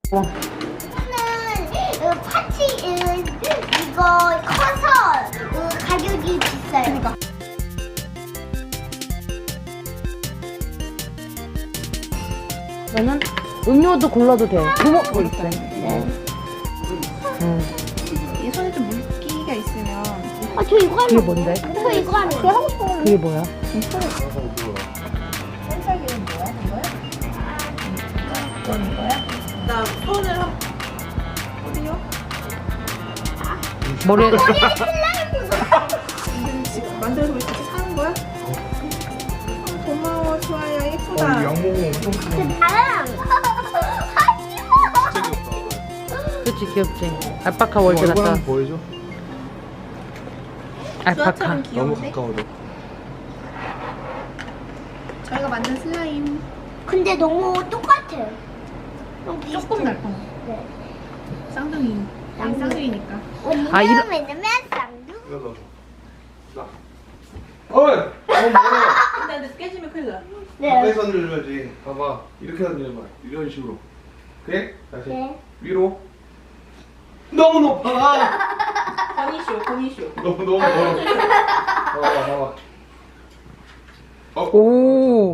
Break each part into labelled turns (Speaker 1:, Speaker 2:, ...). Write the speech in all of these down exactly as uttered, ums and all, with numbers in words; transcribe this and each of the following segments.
Speaker 1: 어.
Speaker 2: 이거는 파티 이거 커서 가격이 비싸요.
Speaker 1: 그러니까. 너는 음료도 골라도 돼. 구멍 뭐 있어. 네. 응.
Speaker 3: 이 손에 좀 물기가 있으면
Speaker 2: 아, 저 이거
Speaker 1: 그게
Speaker 2: 하는
Speaker 1: 뭔데?
Speaker 2: 저 이거 하는
Speaker 3: 그거 하고 싶어.
Speaker 1: 그게 뭐야?
Speaker 3: 손살기는 뭐야? 이거야? 이건 이거야? 나 손을 한 어디요?
Speaker 1: 머리에
Speaker 3: 지금 지금 만들어서 이렇게 사는 거야? 어, 고마워 수아야 예쁘다.
Speaker 4: 양모공 엄청 크네.
Speaker 2: 나랑
Speaker 1: 그치 귀엽지. 알파카 월드
Speaker 4: 얼굴
Speaker 1: 같다.
Speaker 4: 한번 보여줘.
Speaker 1: 알파카.
Speaker 3: 수아처럼
Speaker 4: 너무
Speaker 3: 귀여운데?
Speaker 4: 가까워져.
Speaker 3: 저희가 만든 슬라임
Speaker 2: 근데 너무 똑같아요. 너무 비슷해.
Speaker 3: 조금 달콤해.
Speaker 2: 네.
Speaker 3: 쌍둥이. 우리 쌍둥이니까.
Speaker 2: 언니는
Speaker 1: 아, 이런-
Speaker 2: 왜냐면 쌍둥이.
Speaker 4: 이거 넣어. 자. 어이! 너무 멀어.
Speaker 3: 근데 근데 깨지면 큰일 나.
Speaker 2: 네.
Speaker 4: 가까이서 늘려야지. 봐봐. 이렇게 늘려봐. 이런 식으로. 그래? 다시.
Speaker 2: 네.
Speaker 4: 위로. 너무 높아!
Speaker 3: 건이쇼 건이쇼.
Speaker 4: 너무 너무 멀어. 봐봐 봐봐. 어?
Speaker 1: 오.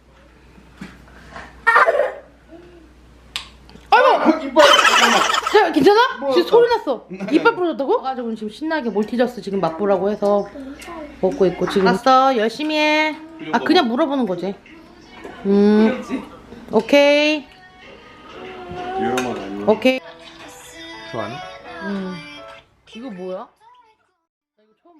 Speaker 4: 아이고! 이빨! 잠깐만.
Speaker 1: 자, 괜찮아?
Speaker 4: 부러졌다.
Speaker 1: 지금 소리 났어. 이빨 부러졌다고? 가지고 지금 신나게 몰티저스 지금 맛보라고 해서 먹고 있고 지금 알았어 열심히 해. 아 그냥 물어보는 거지. 음. 오케이.
Speaker 4: 위험하다 이거.
Speaker 1: 오케이.
Speaker 4: 좋아하니?
Speaker 1: 음. 이거 뭐야?